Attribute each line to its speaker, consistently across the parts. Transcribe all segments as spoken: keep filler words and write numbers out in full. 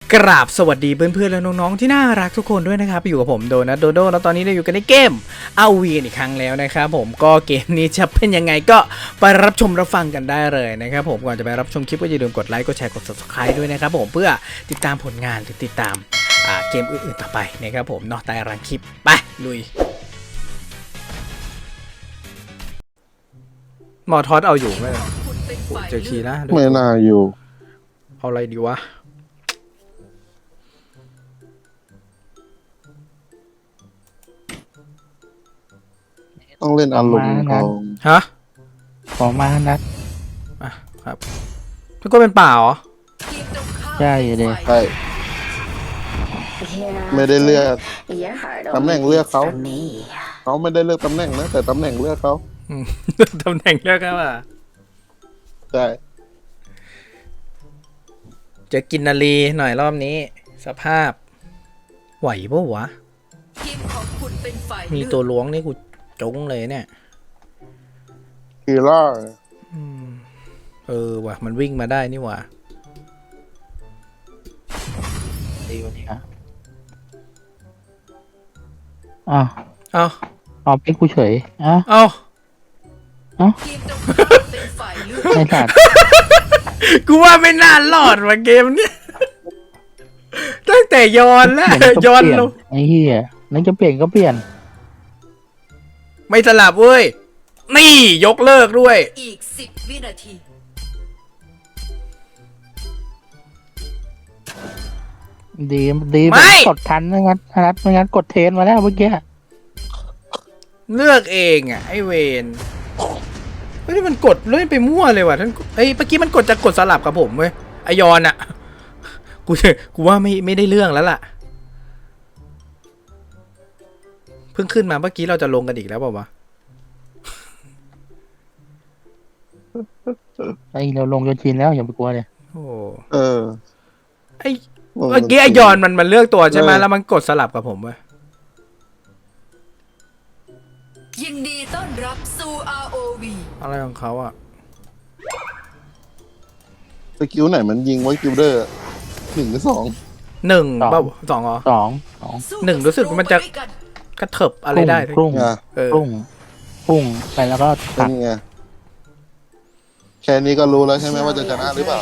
Speaker 1: กราบสวัสดีเพื่อนๆและน้องๆที่น่ารักทุกคนด้วยนะครับอยู่กับผมโดนัทโดโดแล้วตอนนี้เราอยู่กันในเกมเอาวีอีกครั้งแล้วนะครับผมก็เกมนี้จะเป็นยังไงก็ไปรับชมรับฟังกันได้เลยนะครับผมก่อนจะไปรับชมคลิปก็อย่าลืมกดไลค์กดแชร์กด ซับสไครบ์ ด้วยนะครับผมเพื่อติดตามผลงานหรือติดตามอ่าเกมอื่นๆต่อไปนะครับผมเนาะใต้รังคลิปไปลุยหมอทอดเอาอยู่ไหมเจอคีนะ
Speaker 2: ไม่น่าอยู่
Speaker 1: เอาอะไรดีวะ
Speaker 2: ต้องเล่นอารมณ์เอา
Speaker 1: ฮะ
Speaker 3: ขอมานัด
Speaker 1: อ่ะครับแล้วก็เป็นป่าเหรอ
Speaker 3: ใช่เลย
Speaker 2: ใช่ไม่ได้เลือกตำแหน่งเลือกเขาเขาไม่ได้เลือกตำแหน่งนะแต่ตำแหน่งเลือกเขา
Speaker 1: ตำแหน่งเลือกเขาอ่ะ
Speaker 2: ใช่
Speaker 1: จะกินนาลีหน่อยรอบนี้สภาพไหวปะวะมีตัวล้วงนี่กูจงเลยเนี่ย
Speaker 2: คีร่า
Speaker 1: เออว่ะมันวิ่งมาได้นี่ว่ะ
Speaker 3: ดีวันนี้ครับอ้าว
Speaker 1: เอา
Speaker 3: เอาเป็นกูเฉยอ้าว
Speaker 1: เอา
Speaker 3: เอ้าไม่ขาด
Speaker 1: กูว่าไม่น่ารอดว่ะเกมเนี้ยตั้งแต่ย้อนแล้วย้อนลง
Speaker 3: ไอ้เหี้ยนั่นจะเปลี่ยนก็เปลี่ยน
Speaker 1: ไม่สลับเว้ยนี่ยกเลิกด้วย
Speaker 4: อีกสิบวินาที
Speaker 3: ดีดีกดทันไม่งั้นนัดไม่งั้นกดเทนมาแล้วเมื่อกี้
Speaker 1: เลือกเองอ่ะไอเวนเฮ้ยมันกดเล่นไปมั่วเลยว่ะท่านเอ้ยเมื่อกี้มันกดจะกดสลับกับผมเว้ยไอยอนอ่ะกูกูว่าไม่ไม่ได้เรื่องแล้วล่ะเพิ่งขึ้นมาเมื่อกี้เราจะลงกันอีกแล้วเปล่าวะ
Speaker 3: ไอเราลงจนชินแล้วอย่าไปกลัวเลย
Speaker 1: โอ้
Speaker 2: เออ
Speaker 1: ไอเมื่อกี้ไอยอนมันมันเลือกตัวใช่ไหมแล้วมันกดสลับกับผมเว้ย
Speaker 4: ยินดีต้อนรับสู่ อาร์ โอ วี
Speaker 1: อะไรของเขาอ่ะ
Speaker 2: สกิลไหนมันยิงไว้กิลเดอร์หนึ่งหรือสอง
Speaker 1: หนึ่งเปล่าสองเหรอ
Speaker 3: สองสอง
Speaker 1: หนึ่งรู้สึกมันจะกระเถิบอะไรได้
Speaker 3: พุ่งพุ่งพุ่งไปแล้วก็
Speaker 2: ตัดไงแค่นี้ก็รู้แล้วใช่ไหมว่าจะชนะหรือเปล่า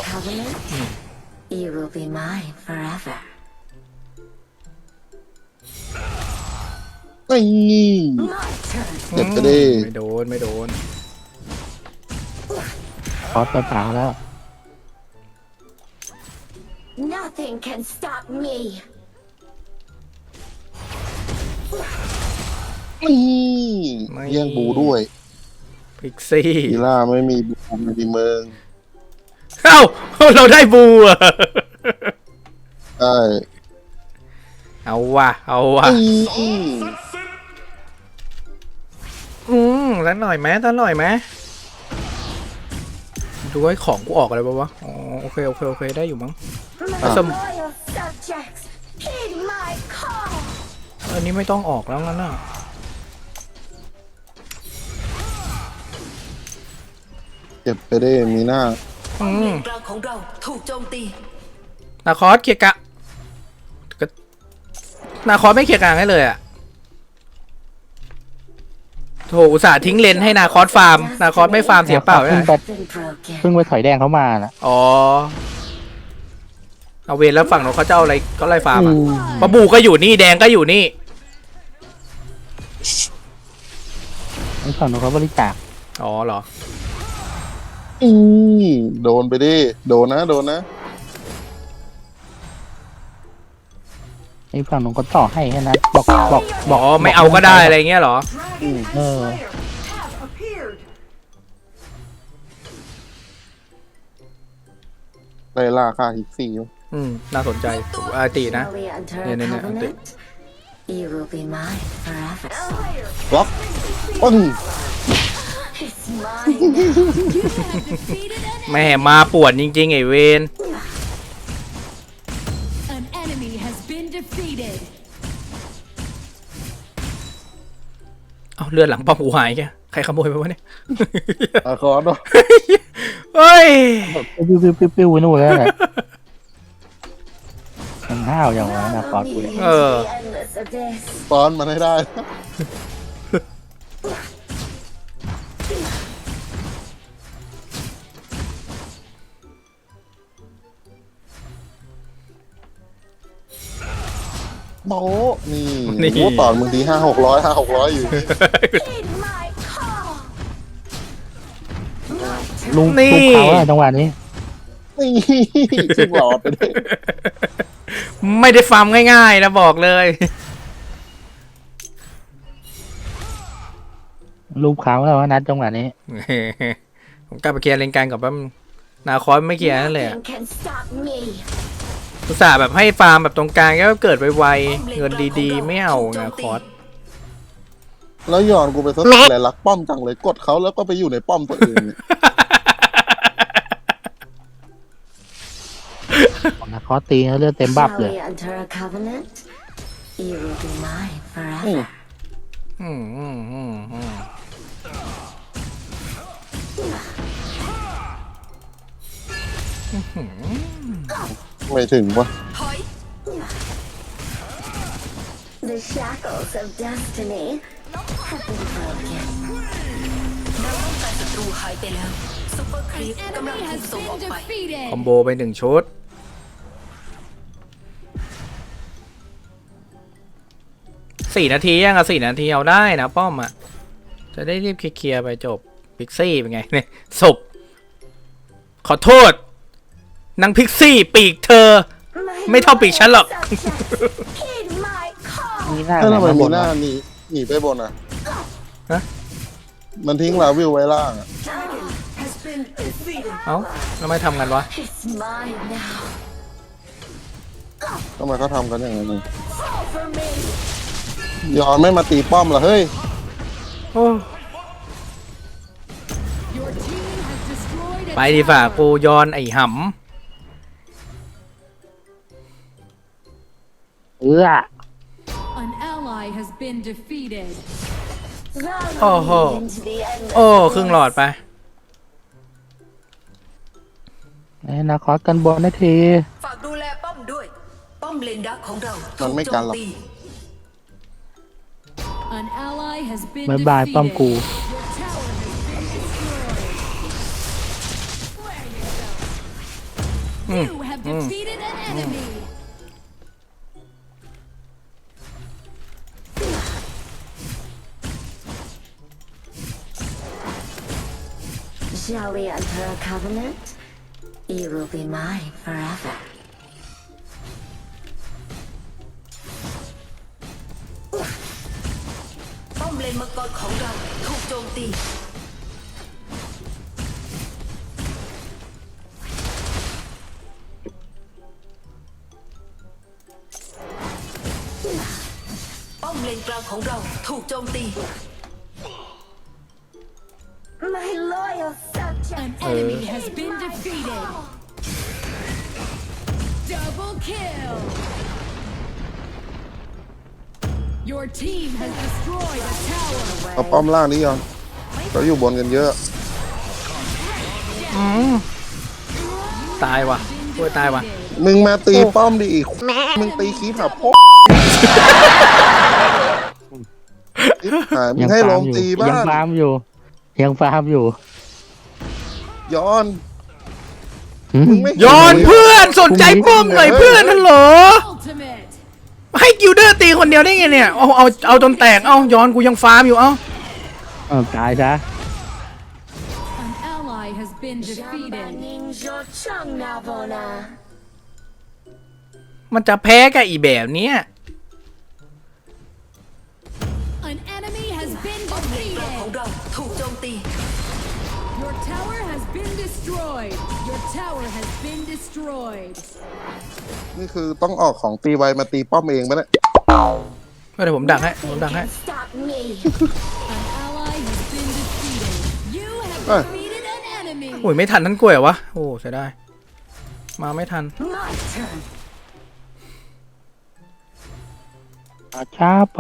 Speaker 2: ไม่เจ็บจะได้
Speaker 1: ไม่โดนไม่โดน
Speaker 3: คอสไปเปล่าแล้ว
Speaker 5: Nothing can stop me
Speaker 2: นี่แย่งบูด้วย
Speaker 1: พิกซี่
Speaker 2: กีฬาไม่มีบูไม่มีเมือง
Speaker 1: เอ้าเราได้บูอ่ะ
Speaker 2: ใช่
Speaker 1: เอาว่ะเอาว่ะอืมแล้วหน่อยไหมแล้วหน่อยไหมดูไอ้ของกูออกอะไรบ้างวะอ๋อโอเคโอเคโอเคได้อยู่มั้งสมอันนี้ไม่ต้องออกแล้วงั้นน่ะ
Speaker 2: เจ็บไปได้มีหน้า
Speaker 4: อืมกลางของเราถูกโจมตี
Speaker 1: นาคอสเกียร์กะนาคอสไม่เกียร์กลางให้เลยอ่ะโถอุตส่าห์ทิ้งเลนให้นาคอสฟาร์มนาคอสไม่ฟาร์มเสียเปล่าเลย
Speaker 3: เพิ่งไปถอยแดงเขามานะ
Speaker 1: อ๋อเอาเวรแล้วฝั่งนู้นเขาจะเอาอะไรก็ไล่ฟาร์มอ่ะปะบูก็อยู่นี่แดงก็อยู่นี่
Speaker 3: ไอ้ฝั่งนู้นเขาบริจาค
Speaker 1: อ๋อเหรอ
Speaker 2: อืมโดนไปดิโดนนะโดนนะ
Speaker 3: ไอ้ฝั่งนู้นก็ต่อให้แค่นั้นบอกบอก
Speaker 1: บอกไม่เอาก็ได้อะไรเงี้ยเหรอ
Speaker 3: เออ
Speaker 2: ไล่ล่าค่าฮิกซี่
Speaker 1: อืมน่าสนใจอาตีนะเนี่ยเนี่ยเนี่ยตี
Speaker 2: ล็อกอ้น
Speaker 1: แม่มาปวดจริงๆไอเวนเอาเลือดหลังป้อมหูหายแกใครขโมยไปวะเนี่ย
Speaker 2: อาคอร์ด
Speaker 1: เฮ้ย
Speaker 3: ปิ้วปิ้วปิ้วปิ้วนู่นแล้วแหละมันห้าวอย่างวะนะคอร์ด
Speaker 5: Follow
Speaker 3: กู
Speaker 5: me
Speaker 3: เนี่ย
Speaker 5: into
Speaker 1: เออ
Speaker 5: the endless abyss.
Speaker 2: ตอนมันให้ได้ โบ๊ะนี่
Speaker 1: นี่
Speaker 2: โบ๊ะตอนบางทีห้าหกร้อยห้าหกร้อยอยู่
Speaker 5: Heed my call. My turn.
Speaker 3: ลุง
Speaker 1: นี่
Speaker 3: ลุงเขาอะจังหวะนี้
Speaker 2: นี่ซึ่งหลอดไปเลย
Speaker 1: ไม่ได้ฟาร์มง่ายๆนะบอกเลย
Speaker 3: รูปเขาแล้วว่านัดจังหวะนี้
Speaker 1: ผมกลับไปเคลียร์เลนกลางกับแป๊บนึงนาคอสไม่เคลียร์นั่นเลยอะ
Speaker 5: Nothing can stop me.
Speaker 1: อุตส่าห์แบบให้ฟาร์มแบบตรงกลางก็เกิดไวๆเงินดีๆ ไม่เอานาคอส
Speaker 2: แล้วย้อนกูไปซะแหละรักป้อมจังเลยกดเขาแล้วก็ไปอยู่ในป้อมตัวเองเนี่ย
Speaker 3: นะคอร์ดตีแล้วเลือดเต็มบัฟ
Speaker 5: Shall
Speaker 3: เลย
Speaker 5: we enter a covenant? You will be mine
Speaker 2: อืม
Speaker 5: forever.
Speaker 1: อืมอืมอืมอืม
Speaker 2: ไม่ถึงวะ
Speaker 4: ถอย
Speaker 5: The shackles of destiny have been broken.
Speaker 4: แนวป้องกันศัตรูหายไปแล้วซุปเปอร์ครีปกำลังถูกส่งออกไป
Speaker 1: คอมโบไปหนึ่งชุดสี่นาทียังอะสี่นาทีเอาได้นะป้อมอะจะได้รีบเคลียร์ไปจบพิกซี่เป็นไงเนี่ยศพขอโทษนางพิกซี่ปีกเธอ
Speaker 5: My
Speaker 1: ไม่เท่าปีกฉันหรอก
Speaker 5: Heed my call.
Speaker 3: มีหน้า
Speaker 2: ถ้า
Speaker 3: ไหน
Speaker 2: ทำไม
Speaker 3: มาบ
Speaker 2: มี
Speaker 3: น
Speaker 2: หน้าว
Speaker 3: ะ
Speaker 2: หนีหนีไปบนอ่ะ
Speaker 1: ฮะ
Speaker 2: มันทิ้งลาวิวไว้ล่างอ่ะ
Speaker 1: เอ้าแล้วไม่ทำกันวะ
Speaker 5: It's mine now.
Speaker 2: ทำไมเขาทำกันอย่างนั้น
Speaker 5: Fall for me.
Speaker 2: ย้อนไม่มาตีป้อมเหรอเฮ้ย
Speaker 1: โอ้ไปดีฝ่ากูยอนไอ้ห
Speaker 3: เอื้อ
Speaker 6: An ally has been defeated.
Speaker 5: Follow
Speaker 1: Oh, oh.
Speaker 5: me into the endless
Speaker 1: ำโอ้ครึ่งหลอดไป
Speaker 3: ไอ้นะคอร์ดกันบอลนาที
Speaker 4: ฝากดูแลป้อมด้วย ป้อมเลนดักของเรา
Speaker 2: มั
Speaker 4: ถู
Speaker 2: น
Speaker 4: ก
Speaker 2: ไม่
Speaker 4: โจ
Speaker 2: กัน
Speaker 4: ม
Speaker 2: หรอก
Speaker 4: ตี
Speaker 6: An ally has been
Speaker 3: บายบาย
Speaker 6: defeated.
Speaker 3: ป้อมกู
Speaker 6: Your tower has been destroyed. You have defeated an enemy.
Speaker 5: Shall we enter a covenant? You will be mine forever.
Speaker 4: ป้อมเลนมังกรของเราถูกโจมตี ป้อมเลนกลางของเราถูกโจมตี
Speaker 5: My loyal subject.
Speaker 6: An enemy has been defeated. Double kill. Your team has destroyed a tower.
Speaker 2: เอาป้อมล่างนี้ย้อนเขาอยู่บนกันเยอะ
Speaker 1: ตายว่ะโอ้ยตายว่ะ
Speaker 2: มึงมาตีป้อมดิอีกมึงตีคีบหาพ่อหายมึ
Speaker 3: ยัง ง
Speaker 2: ให้ล
Speaker 3: ฟาร์
Speaker 2: ม
Speaker 3: มอยู่
Speaker 2: ตี
Speaker 3: ยัง
Speaker 2: บ้าน
Speaker 3: ฟาร์มอยู่ ยังฟาร์มอยู่
Speaker 2: ย้อน
Speaker 3: หืม
Speaker 2: มึงไม่
Speaker 1: ยอนเพื่อนสนใจป้อมหน่อยเพื่อนฮัลโหล
Speaker 6: Ultimate.
Speaker 1: ให้กิลเดอร์ตีคนเดียวได้ไงเนี่ย เอาเอาเอาจนแตก เอาย้อนกูยังฟาร์มอยู่ เอา
Speaker 3: เออตายซะ
Speaker 6: An ally has been defeated.
Speaker 5: Ninja Changnavona.
Speaker 1: มันจะแพ้กับอีแบบเนี้ย
Speaker 6: An enemy has been
Speaker 4: ป้อมเลนกลางของ
Speaker 6: defeated.
Speaker 4: เราถูกโจมตี
Speaker 6: Your tower has been destroyed. Your tower has been destroyed.
Speaker 2: นี่คือต้องออกของตีไวมาตีป้อมเองปะเนี่ย
Speaker 1: เดี๋ยวผมดักให้ ผม
Speaker 5: Nothing
Speaker 1: ดักให้
Speaker 5: can stop me.
Speaker 6: An ally has been defeated. You have
Speaker 2: Hey.
Speaker 6: defeated an enemy.
Speaker 1: โอ้ยไม่ทันทั้งกล้วยเหรอวะ โอ้เสียดายมาไม่ทัน
Speaker 5: My turn.
Speaker 3: ช้าไป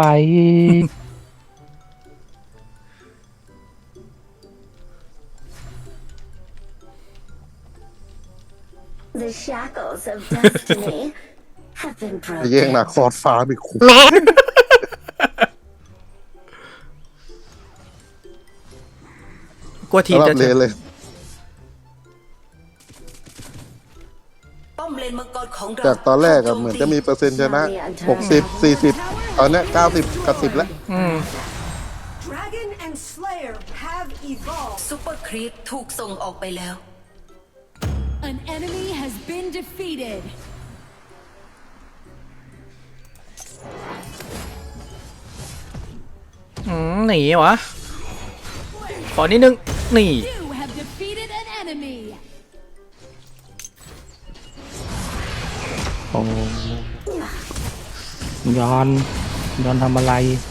Speaker 5: The shackles of destiny have been
Speaker 2: ไปแย่ง
Speaker 5: broken.
Speaker 2: นาคอร์ดฟ้าไปขู่
Speaker 1: กลัวทีม
Speaker 2: สำหรั
Speaker 1: จะ
Speaker 2: บเลนเลย
Speaker 4: ป้อมเลนมังกรของเรา
Speaker 2: จากตอนแรกอะเหมือนจะมีเปอร์เซ็นต์ชนะหกสิบ สี่สิบตอนเนี้ยเก้าสิบกับสิบแล้ว
Speaker 1: อืม
Speaker 7: Dragon and Slayer have evolved.
Speaker 4: ซุปเปอร์ครีปถูกส่งออกไปแล้ว
Speaker 6: An enemy has been defeated.
Speaker 1: อืมหนีวะขอนิดนึงหนี
Speaker 6: You have defeated an enemy.
Speaker 3: โอ้ย้อนย้อนทำอะไร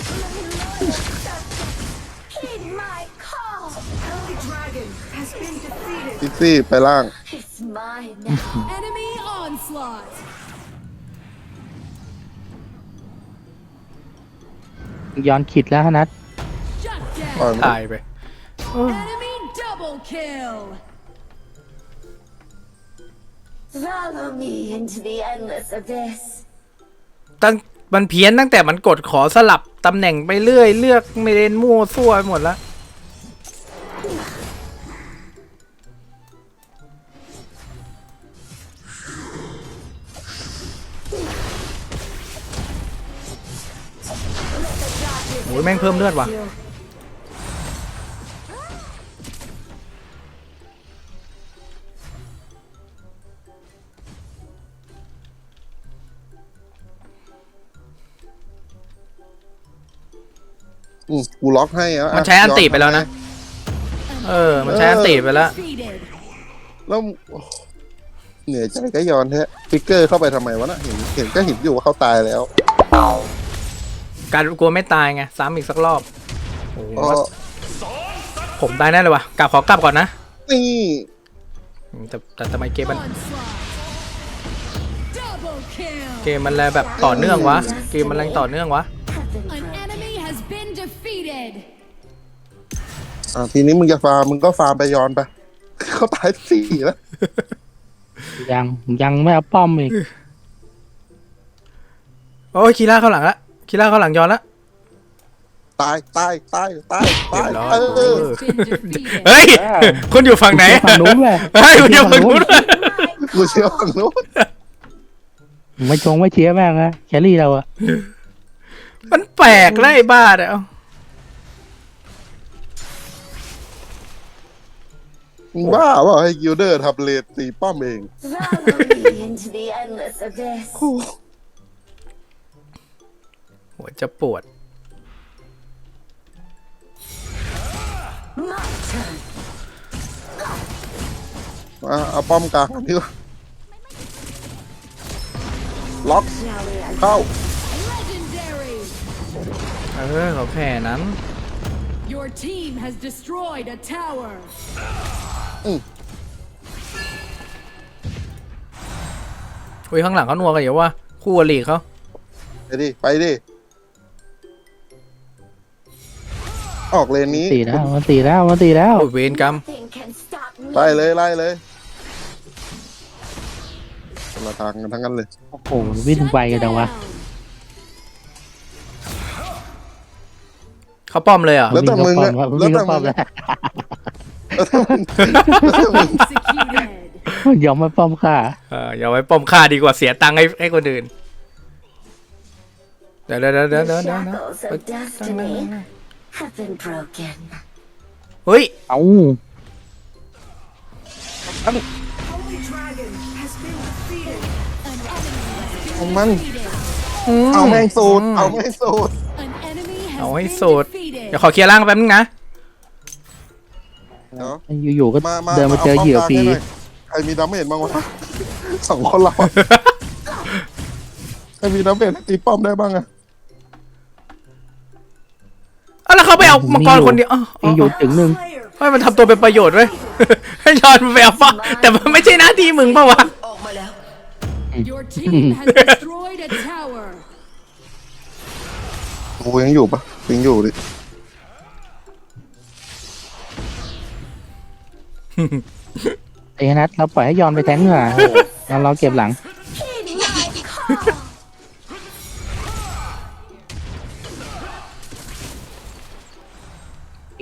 Speaker 5: Heed my call.
Speaker 7: Holy Dragon has been defeated.
Speaker 2: ซิซี่ไปล่าง
Speaker 5: It's mine now.
Speaker 6: Enemy onslaught.
Speaker 3: ย้อนขิดแล้วนัด
Speaker 6: Shut
Speaker 2: ปล่อย
Speaker 6: down.
Speaker 2: มัน
Speaker 1: ตายไป
Speaker 6: Enemy double kill.
Speaker 5: Follow me into the endless abyss.
Speaker 1: ตั้งมันเพี้ยนตั้งแต่มันกดขอสลับตำแหน่งไปเรื่อยเลือกไม่เล่นมั่วซั่วไปหมดแล้วโอ้ยแม่งเพิ่มเลือดว่ะ
Speaker 2: อืมกูล็อกให้อะ
Speaker 1: มันใช้อันติไปแล้วนะ เออ มันใช้อันติไปแล้ว
Speaker 6: Defeated.
Speaker 2: แล้วเหนื่อยใจก็ย้อนแท้ฟิกเกอร์เข้าไปทำไมวะน่ะเห็นเห็นก็เห็นอยู่ว่าเขาตายแล้ว
Speaker 1: การกลัวไม่ตายไงซ้ำอีกสักรอบโอ้โห
Speaker 2: ก็
Speaker 1: ผมตายแน่เลยว่ะกลับขอกลับก่อนนะ
Speaker 2: นี่
Speaker 1: แต่แต่ทำไมเกมมัน
Speaker 6: Onslaught. Double kill.
Speaker 1: เกมมันแรงแบบต่อเนื่องวะ เกมมันแรงต่อเนื่องวะ
Speaker 5: Have been
Speaker 6: An
Speaker 5: broken.
Speaker 6: enemy has been defeated.
Speaker 2: อ่าทีนี้มึงจะฟาร์มมึงก็ฟาร์มไปย้อนไป เขาตายสี่แล้ว
Speaker 3: ยังยังไม่เอาป้อมอีก
Speaker 1: โอ้ยคีร่าเข้าหลังละคีร่าเข้าหลังย้อนละ
Speaker 2: ตายตายตายตายตาย
Speaker 1: เรียบร้อย
Speaker 2: เออ
Speaker 6: Has been defeated.
Speaker 1: เฮ้ย คุณอยู่ฝั่งไหน
Speaker 3: ฝั่งนู้นเลย
Speaker 1: เฮ้ยคุณอยู่ฝั่งนู้น
Speaker 2: กูเชียวฝั่งนู้น
Speaker 3: ไม่ชงไม่เชียร์แม่งนะแครี่เราอะ
Speaker 1: มันแปลกแล้วไอ้บ้าเนี่ยเอา
Speaker 2: มึงบ้าเปล่าให้กิลเดอร์ทำเลนตีป้อมเอง
Speaker 5: Follow me into the endless abyss.
Speaker 1: หัวจะปวด
Speaker 5: My turn.
Speaker 2: มาเอาป้อมกลางดีกว่าล็อก
Speaker 5: Rally and
Speaker 2: เข้า
Speaker 6: Legendary.
Speaker 1: เออเขาแค่นั้น
Speaker 6: Your team has destroyed a tower.
Speaker 1: อุ้ยข้างหลังเขานัวกันอยู่ว่าคู่อริเขา
Speaker 2: ไปดิ ไปดิ ออกเลนนี้
Speaker 3: ตีแล้วมันตีแล้วมันตีแล้ว
Speaker 1: โอ้ยเวรกรรม
Speaker 5: nothing can stop me.
Speaker 2: ไล่เลยไล่เลยคนละทางกันทั้งนั้นเลย
Speaker 3: โอ้โหวิ่งไปกันจังวะ
Speaker 1: เขาป้อมเลยเหรอ่ะ
Speaker 2: แล้วแต่มึงอะ
Speaker 3: วิ่ง
Speaker 2: แล้ว
Speaker 3: เข้า
Speaker 2: แต่
Speaker 3: ป้อ
Speaker 2: มึ
Speaker 3: ม
Speaker 2: ง
Speaker 3: แล้ว
Speaker 6: Executed.
Speaker 3: ยอมมาป้อมค่ะ
Speaker 1: เอออย่าไว้ป้อมฆ่าดีกว่าเสียตังค์ให้ให้คนอื่น เดี๋ยวเดี๋ยวเดี๋ยวเดี๋ยว
Speaker 5: The
Speaker 1: เดี๋ยวเดี๋ยว
Speaker 5: shackles of destiny have been broken.
Speaker 1: เฮ้ย
Speaker 3: เอ้า
Speaker 7: Holy Dragon has been defeated.
Speaker 2: ของมัน
Speaker 6: Defeated.
Speaker 2: เอาแม่งสูตร เอาแม่งสูตร
Speaker 6: An enemy has
Speaker 1: เอาให้
Speaker 6: been
Speaker 1: สุด
Speaker 6: defeated.
Speaker 1: เดี๋ยวขอเคลียร์ร่างแป๊บนึงนะ
Speaker 2: เนาะ
Speaker 3: อยู่ๆก็
Speaker 2: มามา
Speaker 3: เดินมาเจอเหยื่อฟรี
Speaker 2: าป้มกลางให้หน่อยใครมีดาเมจบ้างวะสองคนเราอะใครมีดาเมจตีป้อมได้บ้างอะ
Speaker 1: อ่ะแล้วเขาไปเอามังกรคนเดียวอ๋ออ๋
Speaker 3: ยังอยู่
Speaker 1: อ
Speaker 3: ถึงหนึ่ง
Speaker 7: Slayer
Speaker 1: ให้มันทำตัวเป็นประโยชน์ด้วย ให้ยอนไปเอาฟ้าแต่มันไม่ใช่หน้าที่มึงป่าวะ
Speaker 4: ออกมาแล้ว
Speaker 6: Your team has destroyed a tower.
Speaker 2: กูยังอยู่ปะยังอยู่ดิ
Speaker 3: ไอ้นัทเราปล่อยให้ยอนไปแทงเหงื่อเราเราเก็บหลัง
Speaker 5: Heed my call.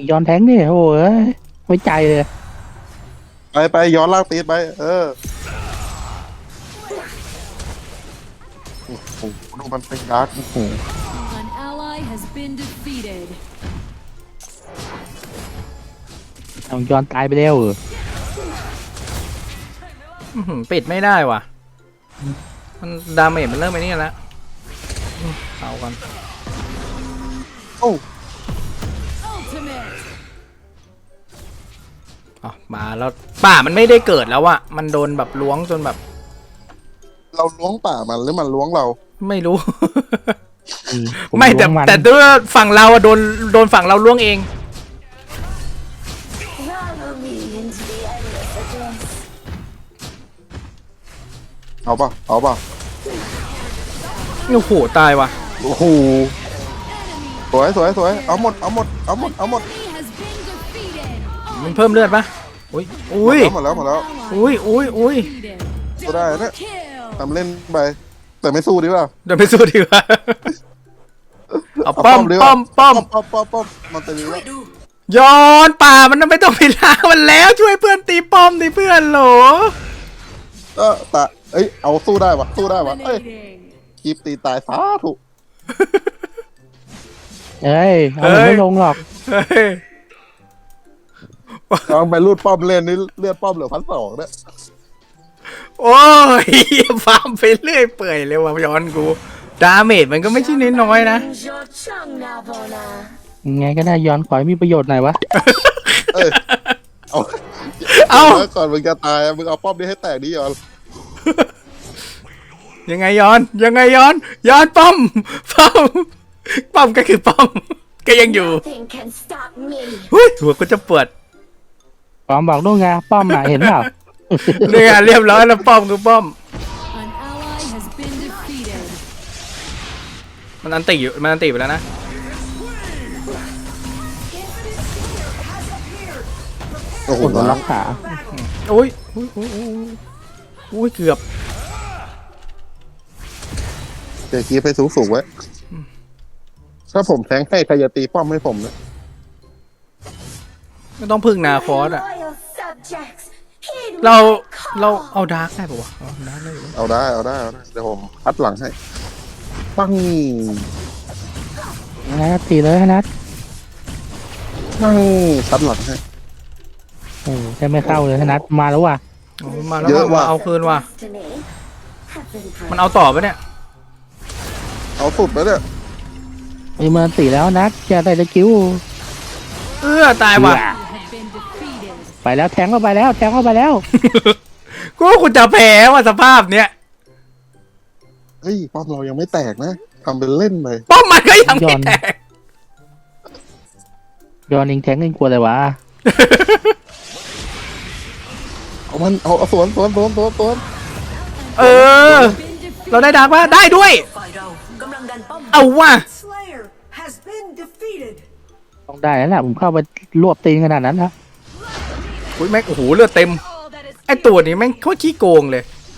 Speaker 3: ย้อนแทงนี่โอ้ยไม่ใจเลย
Speaker 2: ไปไปย้อนลากตีไป เออโอ้โหดูมันเป็นดาร์กโอ้โห
Speaker 6: An ally has been defeated.
Speaker 3: เอาย้อนตายไปแล้วเออ
Speaker 1: อื้อหือปิดไม่ได้ว่ะมันดาเมจมันเริ่มไปนี่แล้วอืมเอากัน
Speaker 2: โอ้
Speaker 6: Ultimate.
Speaker 1: อ๋อมาแล้วป่ามันไม่ได้เกิดแล้วอะมันโดนแบบล้วงจนแบบ
Speaker 2: เราล้วงป่ามันหรือมันล้วงเรา
Speaker 1: ไม่รู้
Speaker 3: อืผ
Speaker 1: ไม่แต่
Speaker 3: ล้วงน
Speaker 1: แต่ด้วยฝั่งเราอะโดนโดนฝั่งเราล้วงเอง
Speaker 5: Follow me into the endless abyss.
Speaker 2: เอาป่ะเอาป่ะ
Speaker 1: โอ้โหตายว่ะ
Speaker 2: โอ้โหสวยสวยสวยเอาหมดเอาหมดเอาหมดเอาหมด
Speaker 6: Enemy has been defeated.
Speaker 1: มันเพิ่มเลือดปะอุ้ยอุ้ย
Speaker 2: หมดแล้วหมดแล้ว
Speaker 1: อุ้ยอุ้ยอุ้ย
Speaker 2: ก็ได้นะ
Speaker 6: Kill.
Speaker 2: ทำเล่นไป แต่ไม่สู้ดีกว่า
Speaker 1: เดินไปสู้ดีกว่า เอา
Speaker 2: เอา
Speaker 1: ป้อม
Speaker 2: ดีก
Speaker 1: ป้
Speaker 2: ว่า
Speaker 1: อมป้อม
Speaker 2: ป้อมป้อมป้อมมันจะมี
Speaker 4: ช่ว
Speaker 2: ว่าย
Speaker 4: ดู
Speaker 1: ย้อนป่ามันไม่ต้องไปล้างมันแล้วช่วยเพื่อนตีป้อมดิเพื่อนโหล
Speaker 2: เออแต่เอ้ยเอาสู้ได้ปะสู้ได้ปะเอ้ย
Speaker 6: Dominating.
Speaker 2: คลิปตีตายสาถูก
Speaker 3: เอ้ยเอามันไม่ลงหรอก
Speaker 1: เฮ้ย
Speaker 2: ลองไปรูดป้อมเล่นนี่เลือดป้อมเหลือพันสองเนี่ย
Speaker 1: โอ้ยฟาร์มไปเรื่อยเปื่อยเลยว่ะย้อนกูดาเมจมันก็ไม่ใช่น้อยๆนะ
Speaker 5: Use your tongue now, Bona.
Speaker 3: ยังไงก็ได้ย้อนขอให้มีประโยชน์หน่อยวะ
Speaker 2: เอ้ยเอา
Speaker 1: เอา
Speaker 2: ก่อนมึงจะตายมึงเอาป้อมนี้ให้แตกดิยอน
Speaker 1: ยังไงย้อนยังไงย้อนย้อนป้อมป้อมป้อมก็คือป้อมก็ยังอยู่
Speaker 5: Nothing can stop me.
Speaker 1: หุ้ยหัวก็จะปวด
Speaker 3: ปอมบอกด้วยไงป้อมน่ะเห็นเปล่า
Speaker 1: เนี่ยเรียบร้อยแล้วป้อมคือป้อม
Speaker 6: An ally has been defeated.
Speaker 1: มันอันติอยู่มันอันติไปแล้วนะ
Speaker 2: โอ้โห
Speaker 3: คนโดนล็อกขา
Speaker 1: โอ้ยโอ้ยโอ้ยโอ้ยโอ้ยเกือบ
Speaker 2: เดี๋ยวคีบให้สูงสูงๆไว้ ถ้าผมแทงให้ใครจะตีป้อมให้ผมนะ
Speaker 1: ไม่ต้องพึ่งนาคอสอะ
Speaker 5: Loyal subjects, heed
Speaker 1: เรา
Speaker 5: my
Speaker 1: เรา
Speaker 5: call.
Speaker 1: เอาดาร์กได้ปะวะเอาดาร์กได้อยู่
Speaker 2: เอาได้เอาได้เอาได้เดี๋ยวผมพัดหลังให้ปัง
Speaker 3: ยังไงก็ตีเลยให้นัด
Speaker 2: ปังพัดหลังให้
Speaker 3: โอ้แค่ไม่เข้าเลยให้นัดมาแล้วว่ะ
Speaker 1: เอามาแล้ว
Speaker 2: เยอะ
Speaker 1: มา
Speaker 2: ว่ะ
Speaker 1: เอาคืนว่ะ
Speaker 5: Destiny have been
Speaker 1: มันเอาต่อปะเนี่ย
Speaker 2: เอาสุดไปเนี่ย
Speaker 3: มีมันตีแล้วนัดจะได้ตะกิ้ว
Speaker 1: เออตายว่ะ
Speaker 6: You have been defeated.
Speaker 3: ไปแล้วแทงเข้าไปแล้วแทงเข้าไปแล้ว
Speaker 1: กูว่าคุณจะแพ้ว่ะสภาพเนี้ย
Speaker 2: เฮ้ยป้อมเรายังไม่แตกนะทำเป็นเล่นเลย
Speaker 1: ป้อมมันก็ยังไม่แตก
Speaker 3: ย้อนเองแทงเองกลัวอะไรวะ
Speaker 2: เอามันเอาเอาสวนสวนสวนสวนสวน
Speaker 1: เออ
Speaker 6: Been defeated.
Speaker 1: เราได้ดาร์กปะได้ด้วย
Speaker 4: ฝ่ายเรากำลังดันป้อม
Speaker 1: เอาว่ะ
Speaker 7: Slayer has been defeated.
Speaker 3: ต้องได้แล้วแหละผมเข้าไปรวบตีนขนาดนั้นแล้ว
Speaker 1: อุ้ยแม่งโอ้โหเลือดเต็ม ไอตัวนี้แม่งโคตรขี้โกงเลย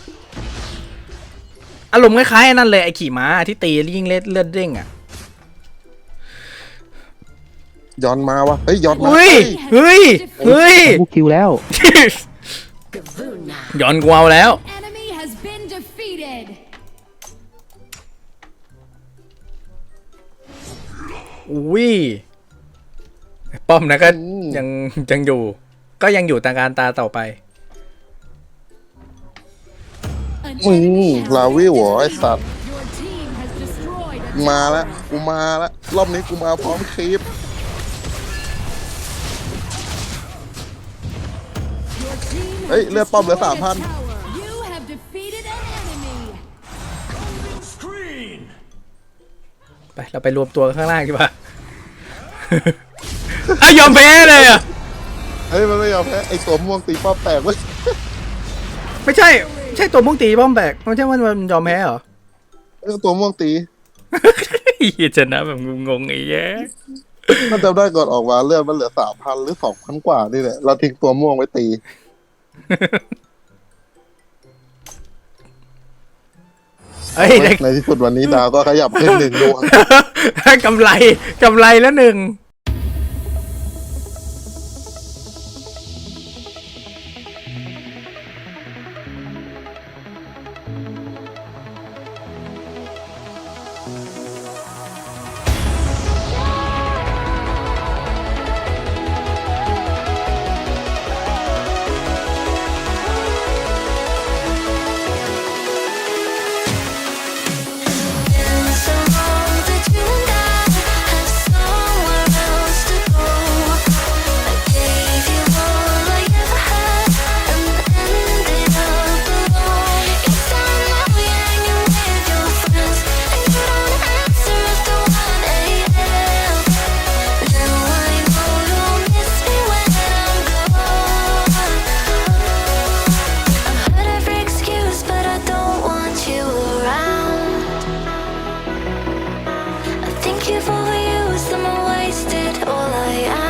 Speaker 1: อารมณ์คล้ายๆไอ้นั่นเลยไอขี่ม้าที่ตียิ่งเลือดเลือดเด้งอ่ะ
Speaker 2: ย้อนมาวะเฮ้ยย้อนมา
Speaker 1: อุ้ย เฮ้ย เฮ้ย
Speaker 3: กูคิวแล้ว
Speaker 5: Gavuna.
Speaker 1: ย้อนกูเอาแล้ว
Speaker 6: Enemy has been defeated.
Speaker 1: อุ้ยป้อมนะก็ยังยังอยู่ ก็ยังอยู่ตาการตาต่อไป
Speaker 6: An
Speaker 2: มึง
Speaker 6: enemy has
Speaker 2: ลา
Speaker 6: been
Speaker 2: วิวเหรอไอสัตว์
Speaker 6: defeated. Your team has destroyed a
Speaker 2: มาแล้วกูมาแล้วรอบนี้กูมาพร้อมคลิป
Speaker 6: Your team has
Speaker 2: เฮ้ยเลือดป้อมเหลือ
Speaker 6: destroyed
Speaker 2: สามพัน
Speaker 6: a tower. You have defeated an enemy.
Speaker 1: ไปเราไปรวมตัวกันข้างล่างดีกว่า อ่ะยอมแพ้เลยอ่ะ
Speaker 2: เฮ้ยมันไม่ยอมแพ้ไอตัวม่วงตีป้อมแตกเว้ย
Speaker 1: ไม่ใช่ใช่ตัวมุ่งตีป้อมแบกไม่ใช่ว่ามันยอมแพ้เหรอ
Speaker 2: เออตัวม่วงตี
Speaker 1: เหี้ยชนะแบบงงๆไอ้แย่
Speaker 2: มันจำได้ก่อนออกมาเลือดมันเหลือสามพันหรือสองพันกว่านี่แหละเราทิ้งตัวม่วงไว้ตี
Speaker 1: เอ้ยได้
Speaker 2: ในที่สุดวันนี้ดาวก็ขยับขึ้นหนึ่งดวง
Speaker 1: ได้กำไรกำไรแล้วหนึ่ง
Speaker 8: So long that you and I have somewhere else to go. I gave you all I ever had and ended up alone. It's time now you're hanging with your friends and you don't answer after one a.m. Now I know you'll miss me when I'm gone. I've heard every excuse, but I don't want you around. I think you've overused them and wasted all I am.